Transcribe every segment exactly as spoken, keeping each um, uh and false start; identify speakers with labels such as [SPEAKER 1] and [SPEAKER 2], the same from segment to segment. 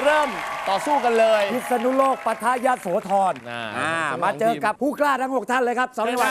[SPEAKER 1] เริ่มต่อสู้กันเลย
[SPEAKER 2] พิษณุโลกปะทะยโสธรมาเจอกับผู้กล้าทั้งหกท่านเลยครับสองจังหวัด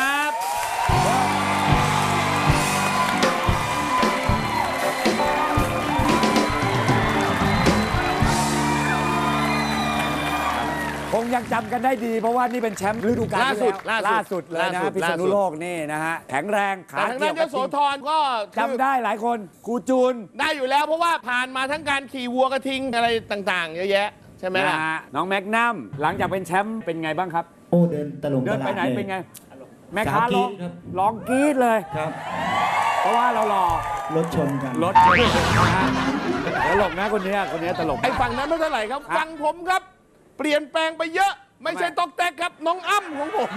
[SPEAKER 2] คงยังจำกันได้ดีเพราะว่านี่เป็นแชมป์ฤดูกาลที่แล้วล่าสุดเลยนะพิษณุโลกนี่นะฮะแข็งแรงขา
[SPEAKER 1] ทางด้านยโสธรก็
[SPEAKER 2] จำได้หลายคนครูจูน
[SPEAKER 1] ได้อยู่แล้วเพราะว่าผ่านมาทั้งการขี่วัวกระทิงอะไรต่างๆเยอะแยะใช่ไหมล่ะ
[SPEAKER 2] น้องแมกนัมหลังจากเป็นแชมป์เป็นไงบ้างครับ
[SPEAKER 3] โอ้เดินตลง
[SPEAKER 2] เดินไปไหนเป็นไงแม่ค้าร้องร้องกรี๊ดเลย
[SPEAKER 3] ครับ
[SPEAKER 2] เพราะว่าเราหล่อ
[SPEAKER 3] รถชนกัน
[SPEAKER 2] รถชนตลกนะคนนี้คนนี้ตลก
[SPEAKER 1] ไอ้ฝั่งนั้นไม่เท่าไหร่ครับฝั่งผมครับเปลี่ยนแปลงไปเยอะไม่ใช่ตอกแตกครับน้องอ้ำของผม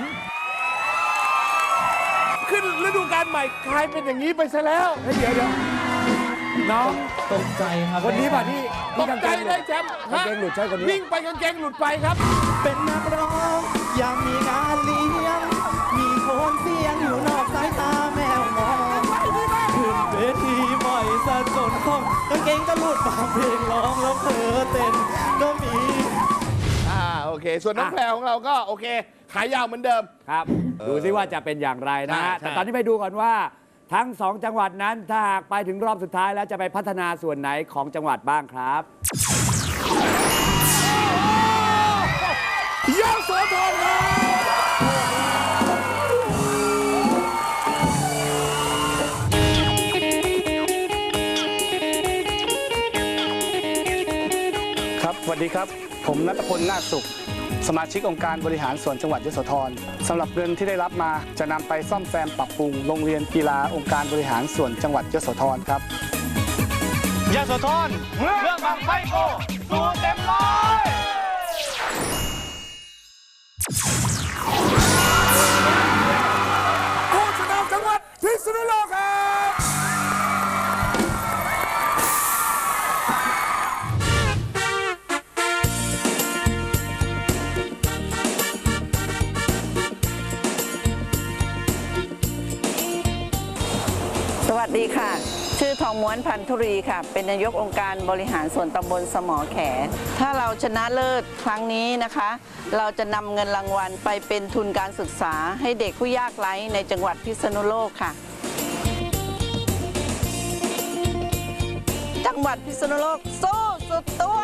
[SPEAKER 1] ขึ้นฤดูกาลใหม่กลายเป็นอย่างนี้ไปซะแล้ว
[SPEAKER 2] เดี๋ยวเดี๋ยวน้อง
[SPEAKER 3] ตกใจครับ
[SPEAKER 2] คนนี้ป่ะที่
[SPEAKER 1] ตกใจได้แชมป์
[SPEAKER 2] กางเกงหลุดใช่คนนี้
[SPEAKER 1] วิ่งไปกางเกงหลุดไปครับ
[SPEAKER 3] เป็นนักร้องอยากมีงานเลี้ยงมีโคนเสียงอยู่นอกสายตาแมวมองขึ้นเวทีบ่อยซะจนคล่องกางเกงก็หลุดบางเพลงร้องแล้วเผลอเต้นก็มี
[SPEAKER 1] อ่าโอเคส่วนน้องแพรของเราก็โอเคขายาวเหมือนเดิม
[SPEAKER 2] ครับดูซิว่าจะเป็นอย่างไรนะฮะแต่ตอนนี้ไปดูก่อนว่าทั้งสองจังหวัดนั้นถ้าหากไปถึงรอบสุดท้ายแล้วจะไปพัฒนาส่วนไหนของจังหวัดบ้างครับ
[SPEAKER 1] ยโสธรครับ
[SPEAKER 4] ครับสวัสดีครับผมณัฐพล นาคสุขสมาชิกองค์การบริหารส่วนจังหวัดยโสธรสำหรับเงินที่ได้รับมาจะนำไปซ่อมแซมปรับปรุงโรงเรียนกีฬาองค์การบริหารส่วนจังหวัดยโสธรครับยโสธรเรื่องบังไฟโกสู้เต็มร้อย
[SPEAKER 1] ผู้ชนะจังหวัดพิษณุโลกครับ
[SPEAKER 5] สวัสดีค่ะชื่อทองม้วนพันธุรีค่ะเป็นนายกองค์การบริหารส่วนตำบลสมอแขถ้าเราชนะเลิศครั้งนี้นะคะเราจะนำเงินรางวัลไปเป็นทุนการศึกษาให้เด็กผู้ยากไร้ในจังหวัดพิษณุโลกค่ะจังหวัดพิษณุโลกสู้สุดตัว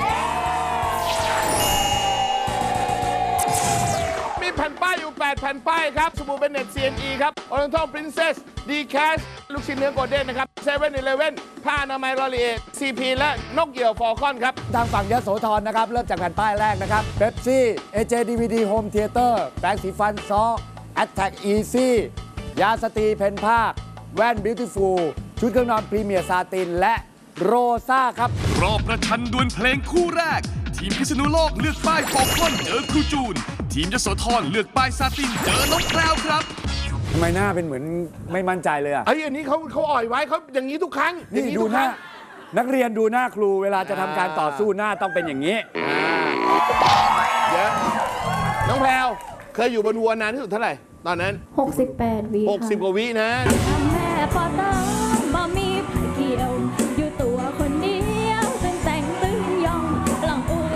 [SPEAKER 1] มีแผ่นป้ายอยู่แปดแผ่นป้ายครับสบู่เบนเน็ต ซี เอ็น อี ครับ Oriental Princess D-Cash ลูกชิ้นเนื้อโกลเด้นนะครับ เซเว่น อีเลฟเว่น ผ้าอนามัยลอรีเอ ซี พี และนกเหยี่ยวฟอลคอนครับ
[SPEAKER 2] ทางฝั่งยโสธรนะครับเริ่มจากแผ่นป้ายแรกนะครับเบปซี่ เอ เจ ดี วี ดี Home Theater แปรงสีฟันซอ Attack Easy ยาสตรีเพนภาคแว่น Beautiful ชุดเครื่องนอนพรีเมียร์ซาตินและโรซ่าครับ
[SPEAKER 6] รอบประชันดวลเพลงคู่แรกทีมพิษณุโลกเลือกป้ายฟอลคอนเจอครูจูนทีมยโสธรเลือกป้ายซาตินเจอน้องแพรวครับ
[SPEAKER 2] ทำไมหน้าเป็นเหมือนไม่มั่นใจเลยอ่ะ
[SPEAKER 1] ไอ้อันนี้เขาเขาอ่อยไว้เขาอย่างนี้ทุกครั้ง
[SPEAKER 2] นี่ดูหน้านักเรียนดูหน้าครูเวลาจะทำการต่อสู้หน้าต้องเป็นอย่างนี้
[SPEAKER 1] เดี๋ยวน้องแพรวเคยอยู่บนวัวนานที่สุดเท่าไหร่ตอนนั้น
[SPEAKER 7] หกสิบแปดวิ
[SPEAKER 1] หกสิบกว่าวินะ
[SPEAKER 7] แม่ปอตาบ่มีไผเกี่ยวอยู่ตัวคนเดียวตึงแต่งตึงยองหลังอู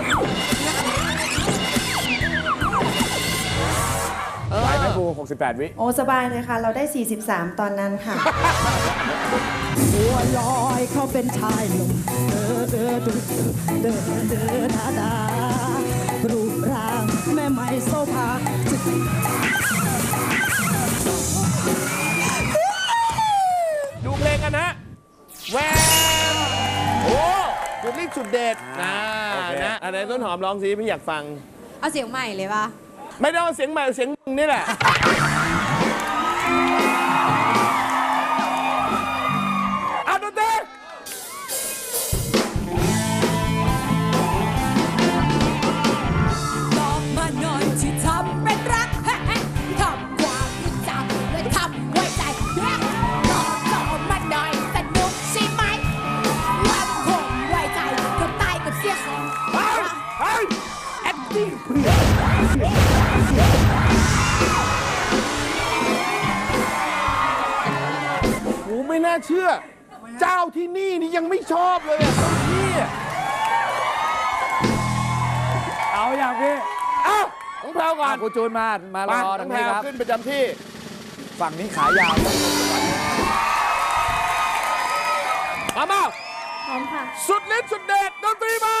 [SPEAKER 2] ไหวไหมครูหกสิบแปดวิ
[SPEAKER 8] โอ้สบายเลยค่ะเราได้สี่สิบสามตอนนั้นค่ะ
[SPEAKER 9] บัวลอยเขาเป็นชายหนุ่มเดินเดินเดินเดินดาดารูปร่างแม่ไม่โซภา
[SPEAKER 1] ดูเพลงกันนะแววโอ้จุดรีบจุดเด็ดนะนะอะไรต้นหอมร้องสิพี่อยากฟัง
[SPEAKER 10] เอาเสียงใหม่เลยป่ะ
[SPEAKER 1] ไม่ได้เอาเสียงใหม่เสียงมึงนี่แหละเอาดนตรี
[SPEAKER 10] บอกมาหน่อยที่ทำเป็นรักทำความรู้จักและทำไว้ใจบอกบอกมาหน่อยสนุกใช่ไหมว่าคงไว้ใจกับตายกับเสียของ
[SPEAKER 1] เฮ้ยเฮ้ยแอคติ้งเพื่อไม่น่าเชื่อเจ้าที่นี่นี่ยังไม่ชอบเลยอ่ะนี่
[SPEAKER 2] เอาอย่างพี่
[SPEAKER 1] เอ้าน้องแพรวก่อน
[SPEAKER 2] ครูจูนมามารอ
[SPEAKER 1] น้
[SPEAKER 2] ตร
[SPEAKER 1] อง
[SPEAKER 2] ง
[SPEAKER 1] แพร
[SPEAKER 2] นี้
[SPEAKER 1] ว
[SPEAKER 2] ครับ
[SPEAKER 1] ขึ้นประจำที่
[SPEAKER 2] ฝั่งนี้ขายาว
[SPEAKER 1] มามา
[SPEAKER 7] พร้อมค่ะ
[SPEAKER 1] สุดฤทธิ์สุดเดชดนตรีมา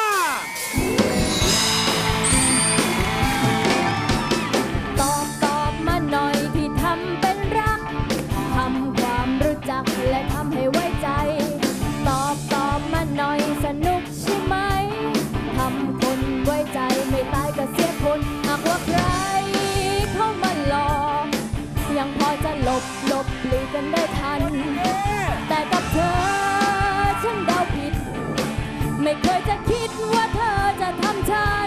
[SPEAKER 7] ตอบตอบมาหน่อยที่ทำเป็นรัก ทำความรู้จักและทำให้ไว้ใจ ตอบตอบมาหน่อยสนุกใช่ไหม ทำคนไว้ใจไม่ตายก็เสียคนหากว่าใครเข้ามาหลอกยังพอจะหลบหลบหลีกกันได้ทัน แต่กับเธอฉันเดาผิด ไม่เคยจะคิดว่าเธอจะทำฉัน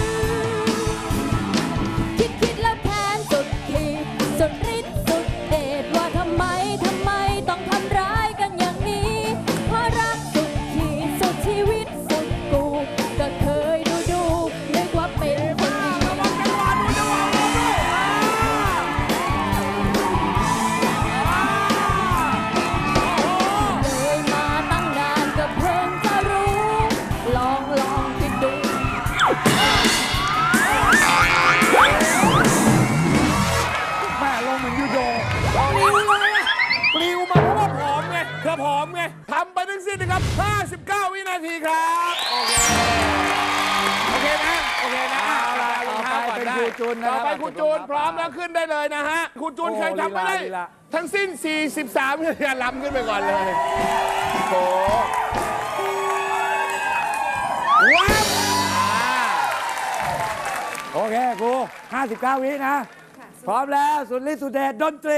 [SPEAKER 7] คิดคิดแล้วแค้นสุดขีดสุดฤทธิ์สุดเดชว่าทำไมทำไมต้องทำร้ายกันอย่างนี้ เพราะรักสุดขีดสุดชีวิตสุดกูก็เคยดูดูนึกว่าเป็นคนดีเลยมาตั้งนานก็เพิ่งจะรู้ ลองลองคิดดู
[SPEAKER 2] แม่ลงเหมือนยูโด
[SPEAKER 1] ปลิวเลยอะปลิวมาเพราะว่าผอมไงเธอผอมไงทำไปทั้งสิ้นนะครับ ห้าสิบเก้า วินาทีครับ โอเค โอเคนะ โอเคนะ
[SPEAKER 2] เอาล่ะ
[SPEAKER 1] รองเท้าก่อนได้
[SPEAKER 2] ต่อไปเป็นครูจูนนะครับ
[SPEAKER 1] ต่อไปครูจูนพร้อมแล้วขึ้นได้เลยนะฮะครูจูน
[SPEAKER 2] โอ้
[SPEAKER 1] เคยทำไปได้
[SPEAKER 2] ลีลา
[SPEAKER 1] ทั้งสิ้น สี่สิบสาม วินาทีลำขึ้นไปก่อนเลยโอ้ว้าวอ่า
[SPEAKER 2] โอเคครูห้าสิบเก้า วินะ พร้อมแล้วสุดฤทธิ์สุดเดชดนตรี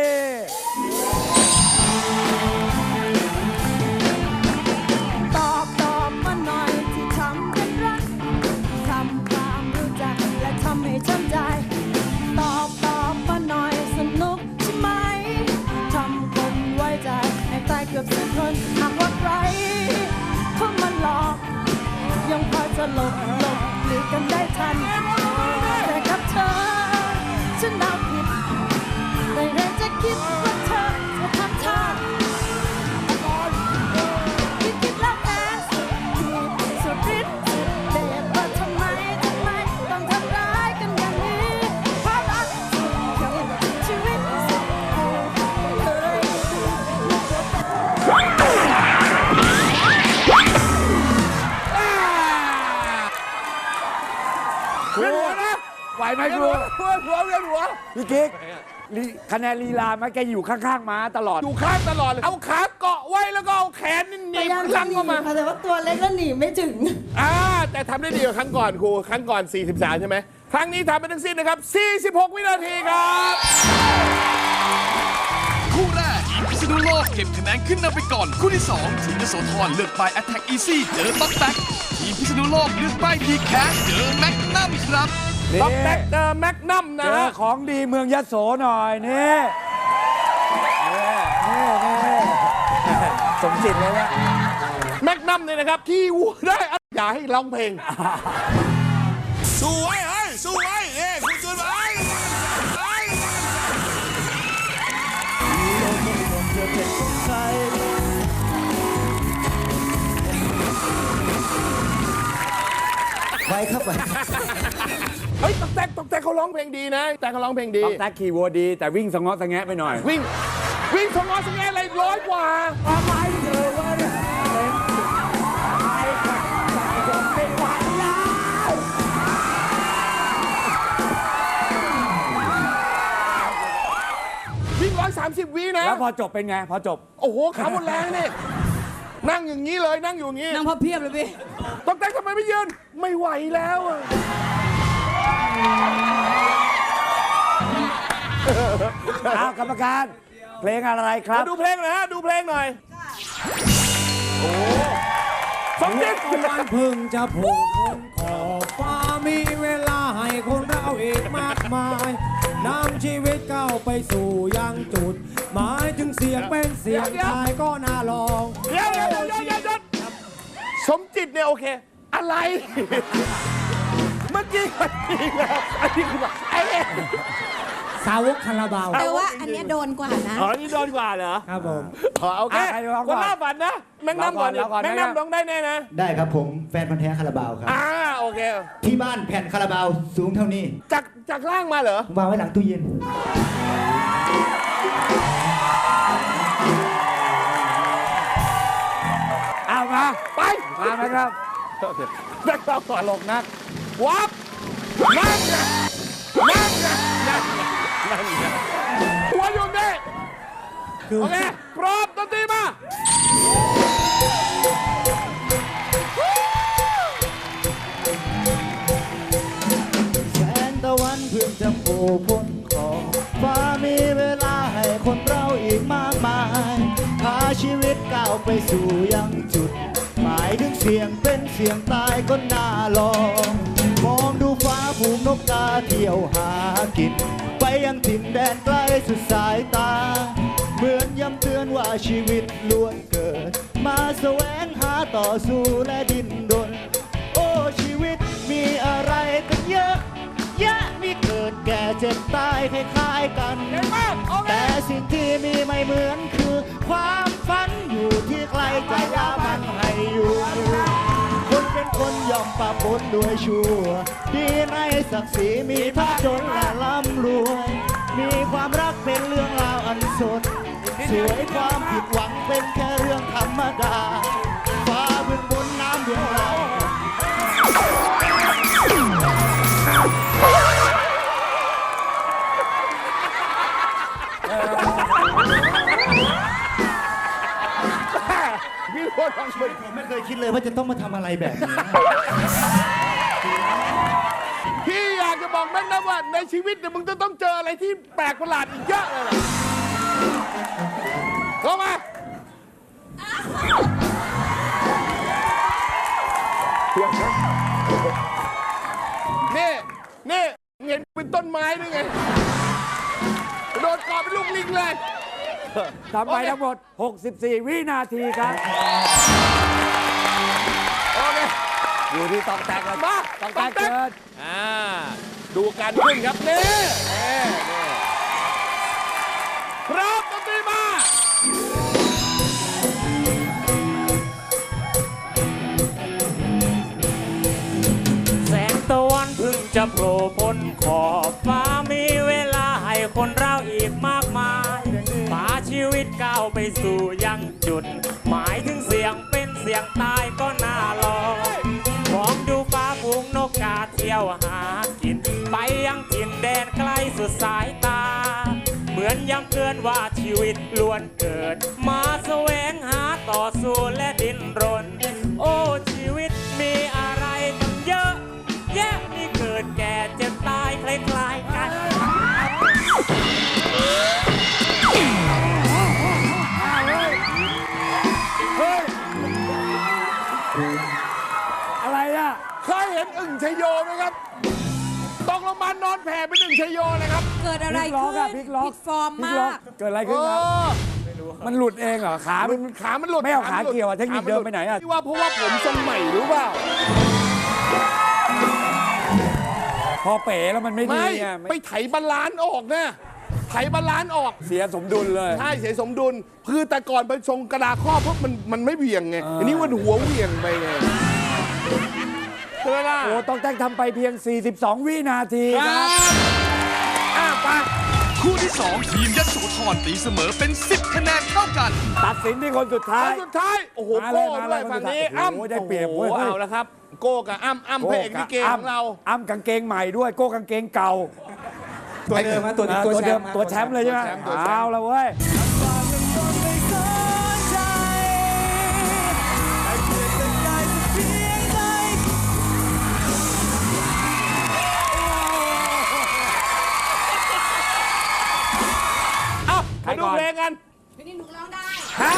[SPEAKER 9] ตอบตอบมาหน่อยที่ทำเป็นรัก ทำความรู้จักและทำให้ช้ำใจ ตอบตอบมาหน่อยสนุกใช่ไหม ทำคนไว้ใจให้ตายเกือบสิบคนหากว่าใครเข้ามาหลอก ยังพอจะหลบหลบหลีกกันได้ทัน แต่กับเธอฉันเดาผิด ไม่เคยจะคิดว่าเธอจะทำฉัน คิดคิดแล้วแพ้สุดขีดสุดฤทธิ์สุดเดชว่าทำไมทำไมต้องทำร้ายกันอย่างนี้ เพราะรักสุดขีดชีวิตสุดกูเลยนึกว่าเป็น
[SPEAKER 1] เวียนหัวนะ
[SPEAKER 2] ไหวไหม
[SPEAKER 1] เวียน
[SPEAKER 2] ครู
[SPEAKER 1] หัวเวียนหัวเวียนหัว
[SPEAKER 2] พี่กิ๊กลีคะแนนลีลามาแกอยู่ข้างๆม้าตลอด
[SPEAKER 1] อยู่ข้างตลอดเลย เอาขาเกาะไว้แล้วก็เอาแขนนี่หนีบลังเข้ามา
[SPEAKER 8] ค่ะแต่ว่าตัวเล็กแล้วหนีไม่ถึง
[SPEAKER 1] อ่าแต่ทำได้ดีกว่าครั้งก่อนครู ครั้งก่อน สี่สิบสาม ใช่ไหม ครั้งนี้ทำไปทั้งสิ้นนะครับ สี่สิบหก วินาทีครับ
[SPEAKER 6] คู่แรกทีมพิษณุโลกเก็บคะแนนขึ้นนำไปก่อน คู่ที่สองทีมยโสธรเลือกป้าย Attack Easy เจอต๊อกแต๊กทีมพิษณุโลกเลือกป้าย D-Cash เจอแม็กนัมครับ
[SPEAKER 2] นี่
[SPEAKER 1] ต้องแบ็กเจอแม็กนัม
[SPEAKER 2] เจ
[SPEAKER 1] นะ
[SPEAKER 2] อ
[SPEAKER 1] ฮะ
[SPEAKER 2] ของดีเมืองยโสหน่อยนี่นี่นี่นี่สมจิตเลยนะ
[SPEAKER 1] แม็กนัมเนี่ยนะครับ ที่วัวได้อ่ะอย่าให้ร้องเพลง สู้ไว้เฮ้ยสู้ไว้เอ้ยคุณจูนไปไป
[SPEAKER 3] ไปครับไป
[SPEAKER 1] เฮ้ยต๊อกแต๊กต๊อกแต๊กเขาร้องเพลงดีนะแต่เขาร้องเพลงดี
[SPEAKER 2] ต้องแท็กขี่วัวดี แต่วิ่งสงอสงแงะไปหน่อย
[SPEAKER 1] วิ่ง วิ่งสองร้อยสงแงอะไรร้อยกว่า
[SPEAKER 2] อะไรเจอวะเนี่ยไม่ไหวแล้ว
[SPEAKER 1] วิ่งร้อยสามสิบวินะ
[SPEAKER 2] แล้วพอจบเป็นไง พอจบ
[SPEAKER 1] โอ้โหขาหมดแรงเนี่ยนั่งอย่างนี้เลยนั่งอยู่อย่างนี้
[SPEAKER 9] นั่งพับเพียบเลยพี่
[SPEAKER 1] ต๊อกแต๊กทำไมไม่ยืน ไม่ไหวแล้วอะ
[SPEAKER 2] อ้าวกรรมการ เพลงอะไรครับ
[SPEAKER 1] มาดูเพลงหน่อยฮะ ดูเพลงหน่อย โอ้สมจิต
[SPEAKER 3] วันพึ่งจะโผล่พ้นขอบฟ้ามีเวลาให้คนเราอีกมากมายนำชีวิตก้าวไปสู่ยังจุด หมายถึงเสียงเป็นเสียงชายก็น่าลอง
[SPEAKER 1] เดี๋ยวเดี๋ยวเดี๋ยวเดี๋ยวเดี๋ยวสมจิตเนี่ยโอเค อะไร เมื่อกี้มันดีแล้วอันนี้คือแบบไอ้เอ๊ะ
[SPEAKER 9] สาวกคาราบาว
[SPEAKER 10] แต่ว่าอันเนี้ยโดนกว่านะ
[SPEAKER 1] อ๋อ นี่โดนกว่าเหรอ
[SPEAKER 9] ครับผม
[SPEAKER 1] อ๋อโอเค
[SPEAKER 2] อ่ะใครร้องก่
[SPEAKER 1] ค
[SPEAKER 2] อน
[SPEAKER 1] นล่าฝันนะ แม็กนัมก่อนดิ
[SPEAKER 2] ร้องก่อน
[SPEAKER 1] แม็กนัมร้องได้แน่นะ
[SPEAKER 3] ได้ครับผมแฟนพันธ์แท้คาราบาวครับ
[SPEAKER 1] อ่าโอเค
[SPEAKER 3] ที่บ้านแผ่นคาราบาวสูงเท่านี้
[SPEAKER 1] จากจากล่างมาเหรอ
[SPEAKER 3] วางไว้หลังตู้เย็น
[SPEAKER 2] เอามา
[SPEAKER 1] ไป
[SPEAKER 2] มาไหมครับ
[SPEAKER 1] แม็กนัมก่อน
[SPEAKER 2] ตลกนัก
[SPEAKER 1] วับนั่นไงนั่นไงนั่นไงนั่นไงหัวอยู่นี่โอเคพร้อมดนตรีมา
[SPEAKER 3] แสงตะวันเพิ่งจะโผล่พ้นขอบฟ้ามีเวลาให้คนเราอีกมากมายพาชีวิตก้าวไปสู่ยังจุด หมายถึงเสียงเป็นเสียงตายก็น่าลอง มองดูฟ้าผูกนกกาเที่ยวหากิน ไปยังถิ่นแดนไกลสุดสายตา เหมือนย้ำเตือนว่าชีวิตล้วนเกิด มาแสวงหาต่อสู้และดิ้นรน โอ้ชีวิตมีอะไรกันเยอะ แยะมีเกิดแก่เจ็บตายคล้ายๆกัน แต่สิ่งที่มีไม่เหมือนคือ ความฝันอยู่ที่ใครจะยามันให้อยู่ คนเป็นคนยอมปะปนด้วยชั่ว ดีในศักดิ์ศรีมีทั้งจนและร่ำรวย มีความรักเป็นเรื่องราวอันสด สวยความผิดหวังเป็นแค่เรื่องธรรมดา ฟ้าเบื้องบนน้ำเบื้องล่าง
[SPEAKER 1] พี่โคตรของคุณ
[SPEAKER 3] ผมไม่เคยคิดเลยว่าจะต้องมาทำอะไรแบบนี้
[SPEAKER 1] พี่อยากจะบอกแม็กนัมว่าในชีวิตเนี่ยมึงจะต้องเจออะไรที่แปลกประหลาดอีกเยอะเลยล่ะเข้ามานี่นี่เห็นเป็นต้นไม้ด้วยไงโดนกอดเป็นลูกลิงเลย
[SPEAKER 2] ทำไปทั้งหมด หกสิบสี่ วินาทีครับ
[SPEAKER 1] โอเค
[SPEAKER 2] อยู่ที่ตอกแตกแล้ว
[SPEAKER 1] มา
[SPEAKER 2] ตอกแตกเกิน
[SPEAKER 1] อ่าดูการขึ้นครับนี่นี่นี่พร้อมดนตรีมา
[SPEAKER 11] แสงตะวันเพิ่งจะโผล่พ้นขอบฟ้ามีเวลาให้คนเราอีกมากมายพาชีวิตก้าวไปสู่ยังจุด หมายถึงเสียงเป็นเสียงตายก็น่าลองมองดูฟ้าฝูงนกกาเที่ยวหากิน ไปยังถิ่นแดนไกลสุดสายตา เหมือนย้ำเตือนว่าชีวิตล้วนเกิด มาแสวงหาต่อสู้และดิ้นรน โอ้ชีวิตมีอะไรตั้งเยอะ แยะมีเกิดแก่เจ็บตายคล้ายๆกัน
[SPEAKER 2] อะไรอ่ะ
[SPEAKER 1] เคยเห็นอึ่งชโยไหมครับตกลงมานอนแผ่เป็นอึ่งชโยเลยครับ
[SPEAKER 10] เกิดอะไร
[SPEAKER 2] พลิกล็อก
[SPEAKER 10] ขึ้
[SPEAKER 2] อะ
[SPEAKER 10] น
[SPEAKER 2] พลิกล็อก
[SPEAKER 10] ผิดฟอร์ม
[SPEAKER 2] พลิ
[SPEAKER 10] มาก
[SPEAKER 2] ล็อก
[SPEAKER 10] ก
[SPEAKER 2] เกิดอะไร
[SPEAKER 1] เอ
[SPEAKER 2] ขึ้นครับ
[SPEAKER 1] อ
[SPEAKER 2] มันหลุดเองเหรอ ขา
[SPEAKER 1] มั
[SPEAKER 2] มัน
[SPEAKER 1] นขามันหลุด
[SPEAKER 2] ไม่เอาขา
[SPEAKER 1] หลุ
[SPEAKER 2] เกี่ยวอะเทคนิคเดิมไปไหนอะ
[SPEAKER 1] ที่ว่าเพราะว่าผมทรงใหม่หรือเปล่า
[SPEAKER 2] พอเป๋แล้วมันไม่ดี
[SPEAKER 1] ไม่
[SPEAKER 2] ไง
[SPEAKER 1] ไปไถบาลานซ์ออกนะไถบาลานซ์ออก
[SPEAKER 2] เสียสมดุลเลย
[SPEAKER 1] ใช่เสียสมดุลคือแต่ก่อนไปทรงกระดาข้อเพราะมันมันไม่เบี่ยงไง
[SPEAKER 2] อ่า
[SPEAKER 1] อันนี้มันหัวเบี่ยงไปไงใช่ไหมล่ะ
[SPEAKER 2] โอ้ต้องแต่งทำไปเพียง สี่สิบสอง วินาที
[SPEAKER 1] ค
[SPEAKER 2] ค
[SPEAKER 1] รั
[SPEAKER 2] รั
[SPEAKER 1] บบ อ่ะไป
[SPEAKER 6] คู่ที่สองทีมยโสธรตีเสมอเป็นสิบคะแนนเท่ากัน
[SPEAKER 2] ตัดสินที่คนสุดท้า
[SPEAKER 1] ค
[SPEAKER 2] ย
[SPEAKER 1] นสุดท้าย โอ้โห
[SPEAKER 2] มาเล
[SPEAKER 1] โก้
[SPEAKER 2] ยมา
[SPEAKER 1] ด้
[SPEAKER 2] เล
[SPEAKER 1] วย
[SPEAKER 2] ย
[SPEAKER 1] ฝั่งนี้
[SPEAKER 2] โอ้โห
[SPEAKER 1] อ้ำ
[SPEAKER 2] ได้เปรียบเว้ย
[SPEAKER 1] โอ้โหเอาแล้วครับ โก้กับอ้ำอ้ำพระเอกลิเกของเรา
[SPEAKER 2] อ้ำกางเกงใหม่ด้วย โก้กางเกงเก่า
[SPEAKER 3] ตัวเดิมฮะตัวนี้
[SPEAKER 2] อ่า
[SPEAKER 3] ตัว
[SPEAKER 2] ตัว
[SPEAKER 3] แช
[SPEAKER 2] เดิ
[SPEAKER 3] ม
[SPEAKER 2] ม
[SPEAKER 3] ป์ฮะ
[SPEAKER 2] ตัวแชมป์เลยใช่ไหม
[SPEAKER 1] ตัวแชมป์ตัวแชมป์
[SPEAKER 2] เอาละเว้ย
[SPEAKER 1] เอ้า
[SPEAKER 2] ใคร
[SPEAKER 1] มาดู
[SPEAKER 2] ก่อน
[SPEAKER 1] เพลงกัน
[SPEAKER 10] พี่นี่หนูร้องได้
[SPEAKER 1] ครับ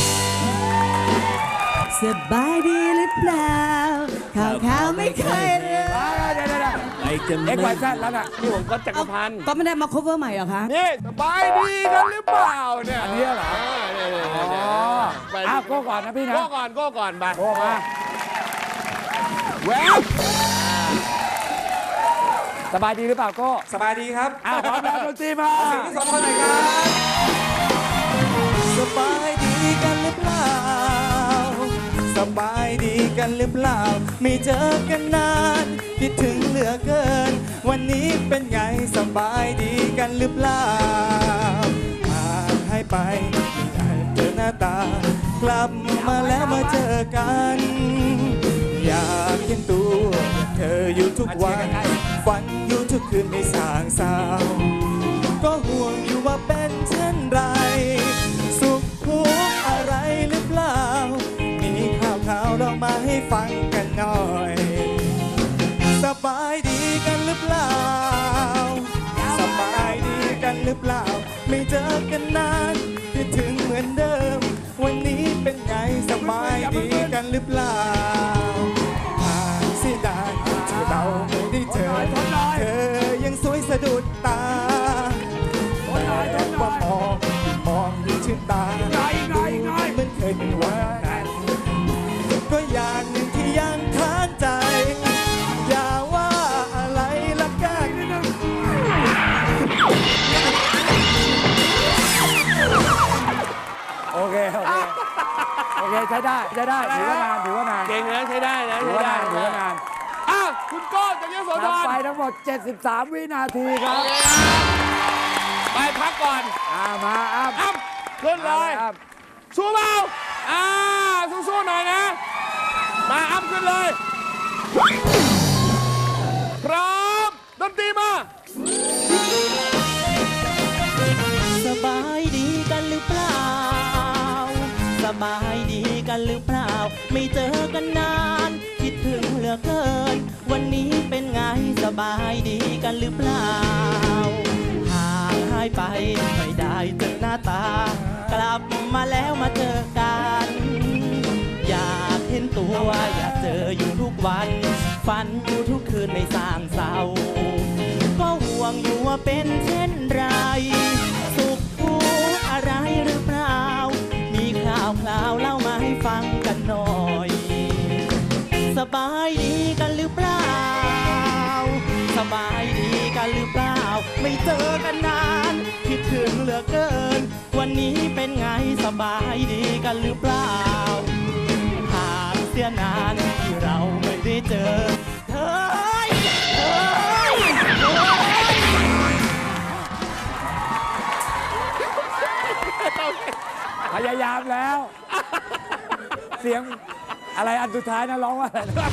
[SPEAKER 9] สบายดีหรือเปล่าข่าวข่าวไม่เคยเลย
[SPEAKER 2] เดี๋ยวเดี๋ยวเดี๋ยว
[SPEAKER 3] ไปกัน
[SPEAKER 2] เอ็กซ์ไวแซดแล้วน่ะ
[SPEAKER 1] นี่ผมก็จักรพันธ์
[SPEAKER 9] ก็ไม่ได้มา cover ใหม่เหรอคะ
[SPEAKER 1] นี่สบายดีกันหรือเปล่าเนี่ย
[SPEAKER 2] อันนี้เหรอ
[SPEAKER 1] เนี่ยเนี่ย
[SPEAKER 2] อ๋
[SPEAKER 1] เนี่ย
[SPEAKER 2] อ
[SPEAKER 1] ไป
[SPEAKER 2] อ้าวโก้ก่อนนะพี่นะ
[SPEAKER 1] โก้ก่อนโก้ก่อนไป
[SPEAKER 2] โก้มา
[SPEAKER 1] แหวบ
[SPEAKER 2] สบายดีหรือเปล่าโก็
[SPEAKER 3] สบายดีครับ
[SPEAKER 2] อ้าวพร้อมแล้วดนตรีมา
[SPEAKER 3] เสียงที่สองคนไหนครับ สบายดีกันหรือเปล่า สบายดีกันหรือเปล่า ไม่เจอกันนานคิดถึงเหลือเกิน วันนี้เป็นไงสบายดีกันหรือเปล่าห่างให้ไปไม่ได้เจอหน้าตากลับมาแล้วมาเจอกัน อยากเห็นตัวเธออยู่ทุกวันฝันอยู่ทุกคืนไม่สางเศร้าก็ห่วงอยู่ว่าเป็นเช่นไรสุขทุกข์อะไรหรือเปล่ามีข่าวข่าวเรามาให้ฟังกันหน่อยสบายดีกันหรือเปล่าสบายดีกันหรือเปล่าไม่เจอกันนานคิดถึงเหมือนเดิมวันนี้เป็นไงสบายดีกันหรือเปล่าเสียดายที่เราไม่ได้เจอเธอยังสวยสะดุดตาแต่ว่ามองมองดูชื่นตาดูเหมือนเคยเป็นวันนั้นก็อย่างหนึ่งที่ยังค้างใจอย่าว่าอะไรละกัน
[SPEAKER 2] โอเค โอเค โอเค ใช้ได้ ใช้ได้ ถือว่านาน ถือว่านาน
[SPEAKER 1] เก่งนะใช้ได้นะ
[SPEAKER 2] ถือ
[SPEAKER 1] ใช้
[SPEAKER 2] ว่า
[SPEAKER 1] ได้
[SPEAKER 2] นาน ถือว่านาน
[SPEAKER 1] อ้าวคุณโก้จากยโสธ
[SPEAKER 2] นับ
[SPEAKER 1] ร
[SPEAKER 2] ไปทั้งหมด เจ็ดสิบสาม วินาทีครับ
[SPEAKER 1] ไปพักก่อน
[SPEAKER 2] อ่ามาอ้ำ
[SPEAKER 1] อ้ำขึ้นเลย
[SPEAKER 2] อ้ำ
[SPEAKER 1] สู้เบาอ่าสู้ๆหน่อยนะ มาอ้ำขึ้นเลย พร้อมดนตรีมา
[SPEAKER 3] สบายดีกันหรือเปล่า สบายดีกันหรือเปล่า ไม่เจอกันนานคิดถึงเหลือเกิน วันนี้เป็นไงสบายดีกันหรือเปล่าห่างหายไปไม่ได้เจอหน้าตากลับมาแล้วมาเจอกันอยากเห็นตัวอยากเจออยู่ทุกวันฝันอยู่ทุกคืนไม่สร้างเศร้าก็ห่วงอยู่ว่าเป็นเช่นไรสุขทุกข์อะไรหรือเปล่ามีข่าวคราวเล่ามาให้ฟังกันหน่อยสบายดีกันหรือเปล่าสบายดีกันหรือเปล่าไม่เจอกันนานคิดถึงเหลือเกินวันนี้เป็นไงสบายดีกันหรือเปล่าหากเสียนานที่เราไม่ได้เจอเธอเธอเธอ
[SPEAKER 2] พยายามแล้ว เสียงอะไรอันสุดท้ายนะร้องว่าอะไรนะ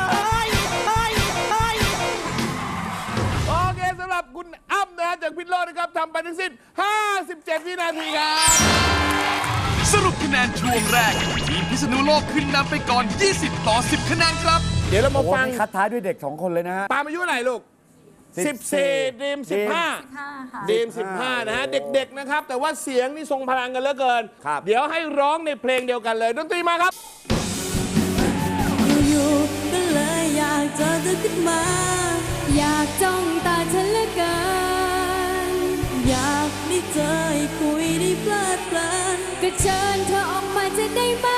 [SPEAKER 1] โอเคสำหรับคุณอ้ำนะฮะจากพิษโลกนะครับทำไปทั้งสิ้น ห้าสิบเจ็ด วินาทีครับ
[SPEAKER 6] สรุปคะแนนช่วงแรก ทีมพิษณุโลกขึ้นนำไปก่อน ยี่สิบ ต่อ สิบ คะแนนครับ
[SPEAKER 1] เดี๋ยวเรามา
[SPEAKER 2] โอ้โห
[SPEAKER 1] ฟัง
[SPEAKER 2] นี่คัดท้ายด้วยเด็กสองคนเลยนะฮะ
[SPEAKER 1] ปาล์มอายุเท่าไหร่ลูก
[SPEAKER 2] สิ
[SPEAKER 1] สิ
[SPEAKER 2] บบ
[SPEAKER 1] สี่
[SPEAKER 2] สี่
[SPEAKER 1] ดีมสิบห้า ดีมสิบห้านะฮะ เด็กๆนะครับ แต่ว่าเสียงนี่ทรงพลังกันเหลือเกิน
[SPEAKER 2] ครับ
[SPEAKER 1] เดี๋ยวให้ร้องในเพลงเดียวกันเลยดนตรีมาครับ
[SPEAKER 9] อยู่ๆก็เลยอยากเจอเธอขึ้นมา
[SPEAKER 7] อยากจ้องตาฉันเหลือเกิน
[SPEAKER 9] อยากได้เจอให้คุยได้เพลิดเพลิน
[SPEAKER 7] ก็เชิญเธอออกมาจะได้ไหม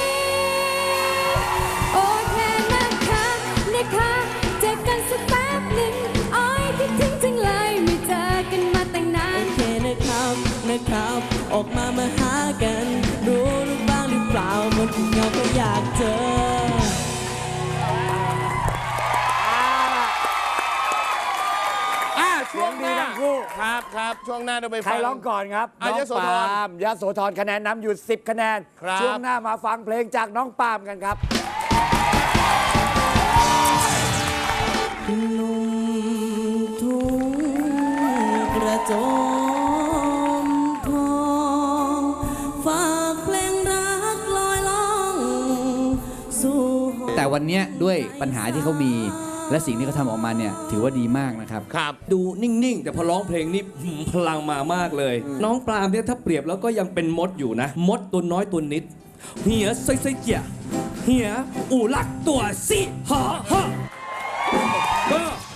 [SPEAKER 7] โอเคนะคะนะคะเจอกันสักแป๊บหนึ่งอ้อยคิดถึงจังเลยไม่เจอกันมาตั้งนา
[SPEAKER 9] โอน เคนะครับนะครับออกมามาหากันรู้หรือบ้างหรือเปล่ามันถึงเราก็อยากเจอ
[SPEAKER 1] อ่าช่วงหน้า
[SPEAKER 2] เสียงดีทั้งคู่
[SPEAKER 1] ครับครับช่วงหน้าเราไป
[SPEAKER 2] ใคร
[SPEAKER 1] ฟัง
[SPEAKER 2] ร้องก่อนครับ
[SPEAKER 1] อ่ะ
[SPEAKER 2] น้อง
[SPEAKER 1] ยโสธร
[SPEAKER 2] ปาล์มยโสธรคะแนนนำอยู่ สิบ คะแนน
[SPEAKER 1] ครับ
[SPEAKER 2] ช่วงหน้ามาฟังเพลงจากน้องปาล์มกันครับ
[SPEAKER 9] หนุ่มทุ่งกระโจมทองฝากเพลงรักลอยล่องสู่ห้อง
[SPEAKER 12] แต่วันเนี้ยด้วยปัญหาที่เขามีและสิ่งที่เขาทำออกมาเนี่ยถือว่าดีมากนะครับ
[SPEAKER 1] ครับ
[SPEAKER 13] ดูนิ่ง ๆ แต่พอร้องเพลงนี่หืมพลังมามากเลย น้องปรามเนี่ยถ้าเปรียบแล้วก็ยังเป็นมดอยู่นะ มดตัวน้อยตัวนิด เหียไซไซเจียเหียอูลักตัวสิฮะฮะเออ